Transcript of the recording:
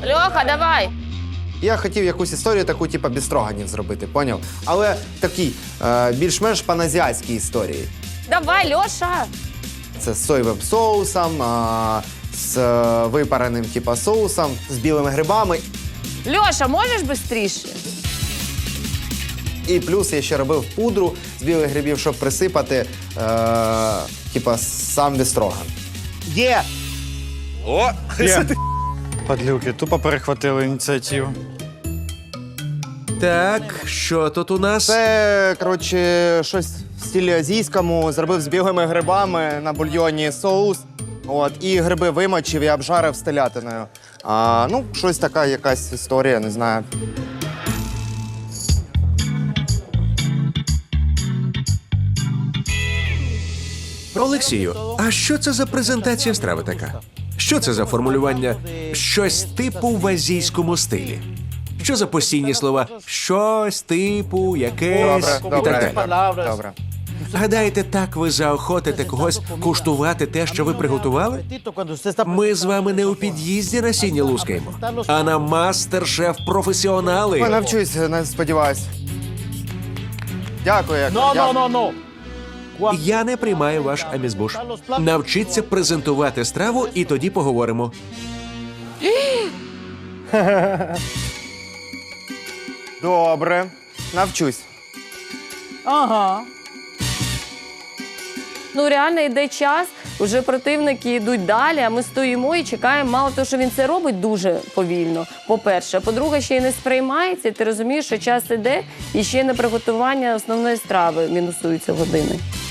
Льоха, давай. Я хотів якусь історію таку, типу, без строганів зробити, поняв? Але такий, більш-менш паназіатській історії. Давай, Льоша. Це з соєвим соусом, з випареним, типу, соусом, з білими грибами. Льоша, можеш швидше? І плюс я ще робив пудру з білих грибів, щоб присипати, типа, сам бістроган. Є! О! Є. Падлюки, тупо перехватили ініціативу. Так, що тут у нас? Це, коротше, щось в стилі азійському. Зробив з білими грибами на бульйоні соус. От, і гриби вимочив і обжарив з телятиною. Ну, щось така якась історія, не знаю. Олексію, а що це за презентація страви така? Що це за формулювання «щось типу в азійському стилі»? Що за постійні слова «щось типу», «якесь» і так далі? Добре. Гадаєте, так ви заохотите когось куштувати те, що ви приготували? Ми з вами не у під'їзді на сіні лускаємо, а на мастер-шеф-професіонали. Я навчусь, не сподіваюсь. Дякую, як. Я не приймаю ваш амізбуш. Навчіться презентувати страву, і тоді поговоримо. Добре, навчусь. Ну, реально йде час, вже противники йдуть далі, а ми стоїмо і чекаємо. Мало того, що він це робить дуже повільно, по-перше. По-друге, ще й не сприймається, і ти розумієш, що час іде, і ще й на приготування основної страви мінусуються години.